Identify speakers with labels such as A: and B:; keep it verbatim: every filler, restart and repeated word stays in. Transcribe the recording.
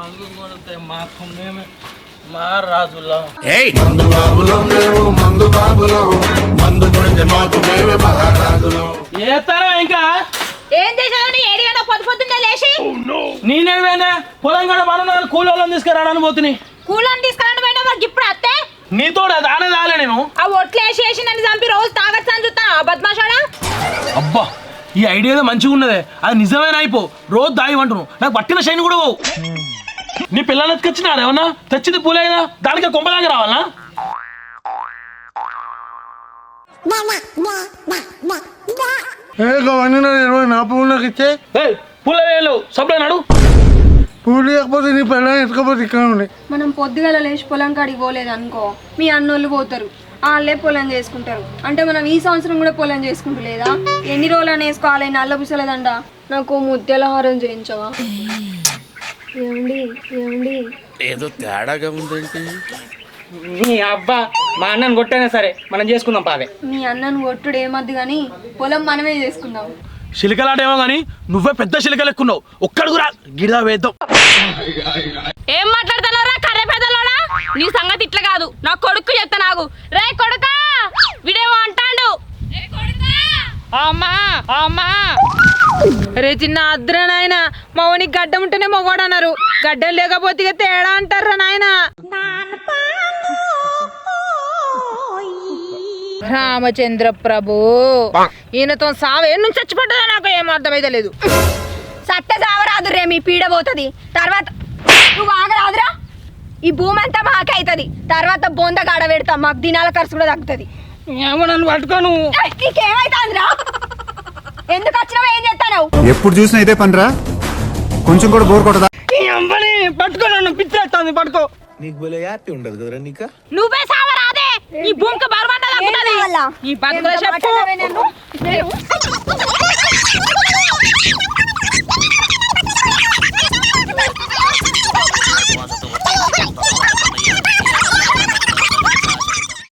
A: మందు కొడితే మాకు మేమే మా రాజులో
B: మందు బాబులో మేము మందు బాబులో మందు కొడితే మాకు మేమే మహారాజులో.
A: ఏతారా ఇంకా
C: ఏం చేసావు? ఏడిగా పొద్దు పొద్దున్నే లేచి
A: నేనేమైనా పొలం కూడా మనం కూలోళ్ళని తీసుకురావడానికి పోతుని
C: కూలని తీసుకురావడం పోయినా మరి ఇప్పుడు అత్తే
A: నీతో దానే దాలే నేను
C: ఆ ఒట్లు వేసి వేసి నన్ను చంపి రోజు తాగొచ్చని చూస్తాను బద్మాషాడా.
A: అబ్బా ఈ ఐడియా మంచిగా ఉన్నదే, అది నిజమేనా అయిపో రోజు దాయి అంటున్నావు. నాకు పట్టిన శైని కూడా పోవు. నీ పిల్లలు ఎత్తుకొచ్చినారు ఏమన్నా తెచ్చింది పూలేదా దానికి కొంపలాగా రావాలా?
D: ఇరవై నా పువ్వు నాకు ఇచ్చే
A: పూల వేయలేవు సప్లై నాడు
D: పూలు లేకపోతే నీ పిల్లలు ఎత్తుకపోతే ఇక్కడ ఉండే.
E: మనం పొద్దుగల లేచి పొలం కాడికి పోలేదు అనుకో, మీ అన్నోళ్ళు పోతారు, వాళ్ళే పొలం చేసుకుంటారు. అంటే మనం ఈ సంవత్సరం కూడా పొలం చేసుకుంటలేదా? ఎన్ని రోజులు అని వేసుకోవాలి నల్ల పుసలేదండ. నాకు ముద్దెల హారం చేయించవా? ఏమండి ఏమండి
B: ఏదో తేడాగా ఉందేంటి?
F: నీ అబ్బా మా అన్నను కొట్టైనా సరే మనం చేసుకుందాం పావే.
E: మీ అన్నను కొట్టుడు ఏమద్దు కానీ పొలం మనమే చేసుకుందాం.
A: చిలికలాడేమో గానీ నువ్వే పెద్ద చిలికలు ఎక్కున్నావు. ఒక్కడుగురా గిడా వేద్దాం.
C: ఏం మాట్లాడుతున్నారా కర్రె పెద్దలోడా? నీ సంగతి ఇట్లా కాదు, నా కొడుకు చెప్తా నాకు. రే కొడుకా వీడేమో అంటాడు. అమ్మా అమ్మా రే చిన్న అద్ర నాయన మౌనికి గడ్డ ఉంటేనే మొగోడు అన్నారు, గడ్డం లేకపోతే ఇక తేడా అంటారా నాయన. రామచంద్ర ప్రభు ఈయనతో సావు ఏ నుంచి చచ్చిపడ్డదో నాకు ఏం అర్థమైతే లేదు.
E: సట్ట సావరాదు రే, మీ పీడ పోతుంది. తర్వాత నువ్వు ఆగరాదురా, ఈ భూమి అంతా మాకే అవుతుంది. తర్వాత బొంద గాడ పెడతాం, మాకు దినాల ఖర్చు కూడా తగ్గుతుంది.
A: ఏమో నన్ను పట్టుకోను.
E: నీకేమైతుందిరా? ఎందుకు వచ్చినావు? ఏం చేస్తాను?
G: ఎప్పుడు చూసినా ఇదే పనిరా, కొంచెం కూడా బోర్ కొట్టదా?
A: పట్టుకో నన్ను పిచ్చేస్తుంది పట్టుకో.
B: నీకు భలే హ్యాపీ ఉండదు కదరా నీకా?
C: నువ్వే సావరాదే, ఈ భూమికి బరువంట తగ్గుతుంది. ఈ బతుకుల చెప్పు.